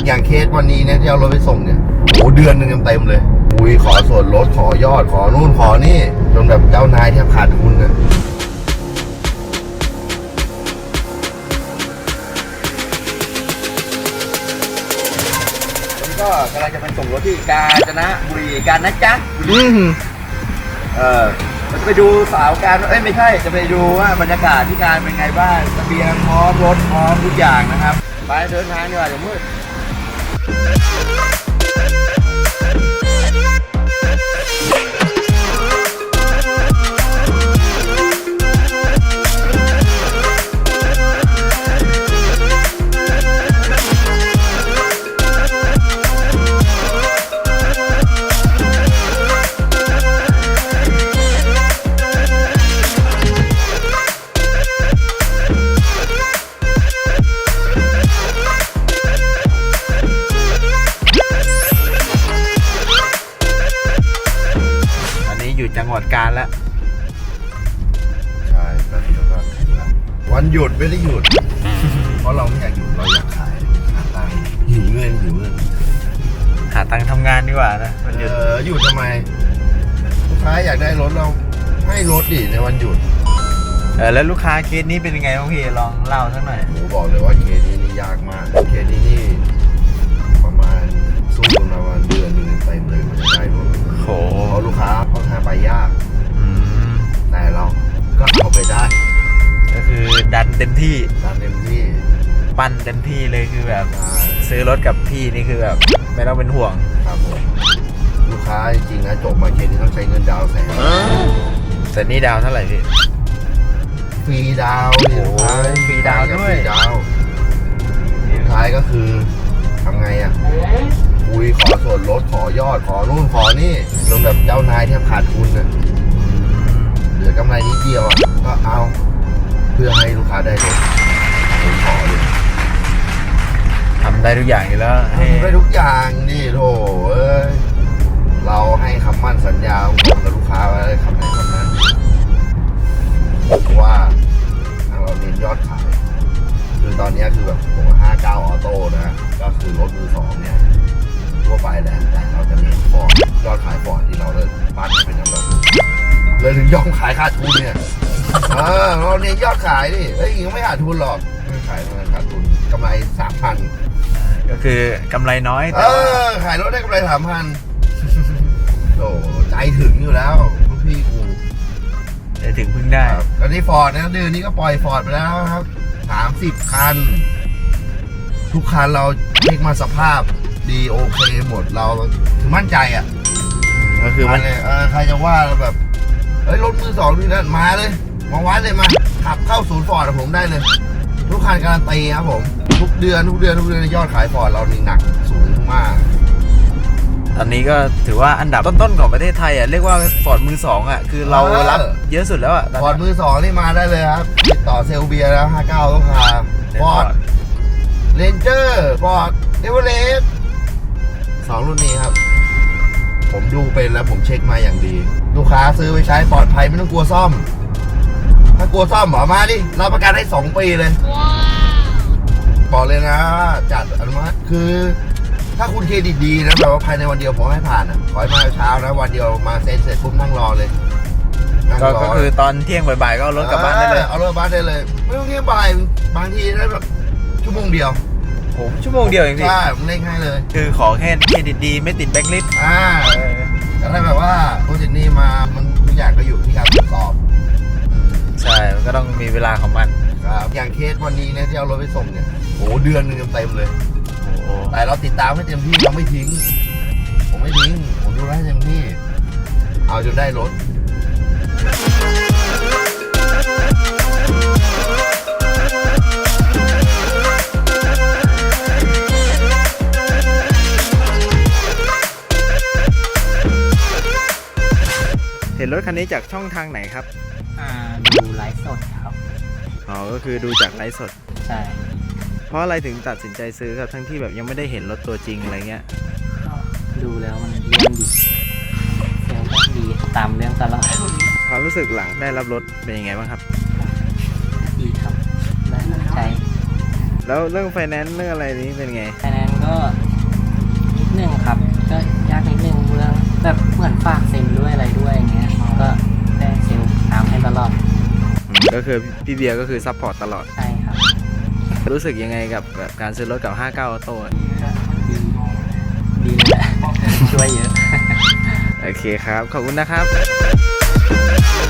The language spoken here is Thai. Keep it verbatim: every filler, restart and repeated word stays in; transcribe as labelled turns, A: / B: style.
A: อย่างเคสวันนี้เนี่ยที่เอารถไปส่งเนี่ยโอ้เดือนหนึ่งเต็มเลยคุยขอส่วนลดขอยอดขอนู่นขอนี่จนแบบเจ้านายแทบขาดทุนอ่ะก็กำลังจะไปส่งรถที่กาญจนบุรีกันนะจ๊ะอืมเออเราจะไปดูสาวการเอ้ยไม่ใช่จะไปดูว่าบรรยากาศที่การเป็นไงบ้างเสบียงพร้อมรถพร้อมทุกอย่างนะครับไปเดินทางดีกว่าเดี๋ยวมืดอยู่จังหวัดกาญแล้วใช่ตอนนี้เราก็ถึงแล้ววันหยุดไม่ได้หยุด เพราะเราไม่อยากหยุดเราอยากขายหาตังค์หิวเงินหิวเงิน
B: หาตังค์ทำงานดีกว่านะวันหยุด
A: เออหยุดทำไมลูกค้าอยากได้รถเราให้รถดิในวันหยุด
B: เออแล้วลูกค้าเคสนี้เป็นยังไงบ้างพี่ลองเล่าสักหน่อย
A: ผมบอกเลยว่าเคสนี้นี่ยากมากเคสนี้นี่ประมาณสู้กันมาวันเดือนหนึ่งเต็มเลยมันจะได้รถ
B: โห
A: เพราะลูกค้าค่อนข้างไปยากแต่เราก็เอาไปได้
B: ก็คือดันเต็มที่
A: ดันเต็มที่
B: ปั้นเต็มที่เลยคือแบบซื้อรถกับพี่นี่คือแบบไม่ต้องเป็นห่วง
A: ครับผมลูกค้าจริงๆนะจบมาเคสนี้ต้องใช้เงินดาวแสน
B: แต่นี่ดาวเท่าไหร่พี่
A: ฟรีดาว
B: โอ้ยฟรีดาวด้วย
A: ฟรีดาวสุดท้ายก็คือทำไงอ่ะคุยขอส่วนลดขอยอดขอนู่นขอนี่จนแบบเจ้านายแทบขาดทุนอ่ะเหลือกำไรนิดเดียวอ่ะก็เอาเพื่อให้ลูกค้าได้รถผมขอเลย
B: ทำได้ทุกอย่างอยู่แล้ว
A: ทำได้ทุกอย่างนี่โถเอ้ยเราให้คำมั่นสัญญาตรงกับลูกค้าไว้คำไหนคำนั้นเพราะว่าทางเราเน้นยอดขายคือตอนนี้คือแบบผมห้าเก้าออโต้นะก็คือรถมือสองเนี่ยทั่วไปแหละแต่เราจะเน้นฟอร์ดยอดขายฟอร์ดที่เราเลยปั้นเป็นอันดับเลยถึงยอมขายขาดทุนเนี่ยเออเราเน้นยอดขายดิเอ้ยยังไม่ขาดทุนหรอกไม่ขายมันขาดทุนกำไรสามพัน
B: ก็คือกำไรน้อย
A: เออขายรถได้กำไรสามพันโอ้ใจถึงอยู่แล้วลูกพี่กู
B: ใจถึงพึ่งได้
A: ตอนนี้ฟอร์ดนะเดือนนี้ก็ปล่อยฟอร์ดไปแล้วครับสามสิบคันทุกคันเราเช็คมาสภาพดีโอเคหมดเราคือมั่นใจอ่ะ
B: ก็คือมัน
A: เออใครจะว่าแบบเฮ้ยรถมือสองนี่นะมาเลยมาวัดเลยมาขับเข้าศูนย์ฟอร์ดผมได้เลยทุกคันการันตีครับผมทุกเดือนทุกเดือนทุกเดือนยอดขายฟอร์ดเรานี่หนักสูงมาก
B: ตอนนี้ก็ถือว่าอันดับต้นๆของประเทศไทยอ่ะเรียกว่าฟอร์ดมือสองอ่ะคือเรารับเยอะสุดแล้วอ่ะ
A: ฟอร์ดมือสองนี่มาได้เลยครับติดต่อเซลเบียแล้วห้าเก้าต้องพาฟอร์ดเรนเจอร์ฟอร์ดเอเวอเรสต์สองรุ่นนี้ครับผมดูเป็นแล้วผมเช็คมาอย่างดีลูกค้าซื้อไปใช้ปลอดภัยไม่ต้องกลัวซ่อมถ้ากลัวซ่อมหมอมาดิรับประกันให้สองปีเลยบอกเลยนะจัดอนุมัติคือถ้าคุณเครดิตดีนะแบบว่าภายในวันเดียวผมให้ผ่านอ่ะขอให้มาเช้านะวันเดียวมาเซ็นเสร็จปุ๊บนั่งรอเลย
B: ก็คือตอนเที่ยงบ่ายๆก็เอารถกลับบ้านได้เลย
A: เอารถกลับบ้านได้เลยไม่ต้องเที่ยงบ่ายบางทีได้แบบชั่วโมงเดียว
B: ผมชั่วโมงเดียวเองพี่
A: ใช่ผมเล่งให้เลย
B: คือขอแค่เครดิตดีไม่ติดแบ็คลิสต์
A: อ่าแต่ถ้าแบบว่าโปรเจกต์นี้มามันทุกอย่างก็อยู่ที่การตรวจสอบ
B: ใช่มันก็ต้องมีเวลาของมัน
A: ครับอย่างเคสวันนี้เนี่ยที่เอารถไปส่งเนี่ยโอ้เดือนหนึ่งเต็มเลยแต่เราติดตามให้เต็มที่เราไม่ทิ้งผมไม่ทิ้งผมดูให้เต็มที่เอาจนได้รถ
B: เห็นรถคันนี้จากช่องทางไหนครับ
C: อ่าดูไลฟ์สดครับ
B: อ๋อก็คือดูจากไลฟ์สด
C: ใช่
B: เพราะอะไรถึงตัดสินใจซื้อครับทั้งที่แบบยังไม่ได้เห็นรถตัวจริงอะไรเงี้ย
C: ก็ดูแล้วมันเรื่องดีเซลล์ก็ดีตามเรื่องตลอด
B: ความรู้สึกหลังได้รับรถเป็นยังไงบ้างครับ
C: ดีครับได้ใจ
B: แล้วเรื่องไฟแนนซ์เรื่องอะไรนี้เป็นไง
C: ไฟแนนซ์ก็นิดนึงครับ ก็ยากนิดนึงเรื่องแบบเหมือนฝากเซ็นด้วยอะไรด้วยอย่างเงี้ยก็ได้เซลล์ตามให้ตลอด
B: อืมก็คือพี่เบียร์ก็คือซัพพอร์ตตลอด
C: ใช่ครับ
B: รู้สึกยังไงกับกับการซื้อรถกับ ห้าเก้า ออโต้
C: ดีดีเลยแหละ ช่วยเยอะ
B: โอเคครับ ขอบคุณนะครับ